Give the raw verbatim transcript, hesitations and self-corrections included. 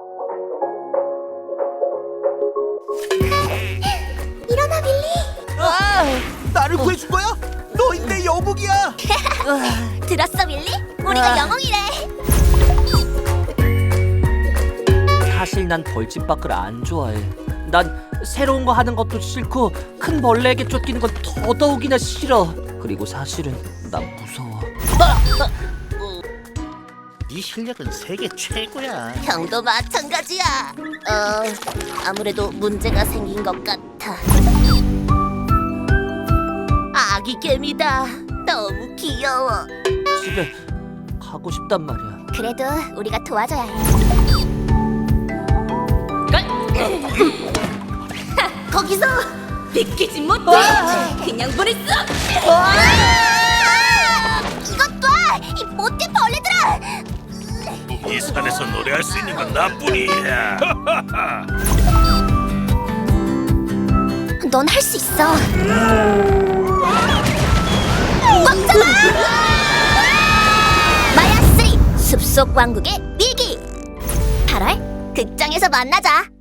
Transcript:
일어나, 빌리. 아, 나를 구해준 거야? 너인데 영웅이야. 들었어, 빌리? 우리가 아. 영웅이래. 사실 난 벌집 밖을 안 좋아해. 난 새로운 거 하는 것도 싫고 큰 벌레에게 쫓기는 건 더더욱이나 싫어. 그리고 사실은 난 무서워. 네 실력은 세계 최고야. 형도 마찬가지야. 어, 아무래도 문제가 생긴 것 같아. 아기 개미다. 너무 귀여워. 집에 가고 싶단 말이야. 그래도 우리가 도와줘야 해. 거기서 비키지 못해. 그냥 보냈어. 이것 봐, 이 못된 벌레들아. 이 산에서 노래할 수 있는 건 나뿐이야. 넌 할 수 있어. 꽉 잡아! 마야 쓰리 숲속 왕국의 밀기. 팔월 극장에서 만나자.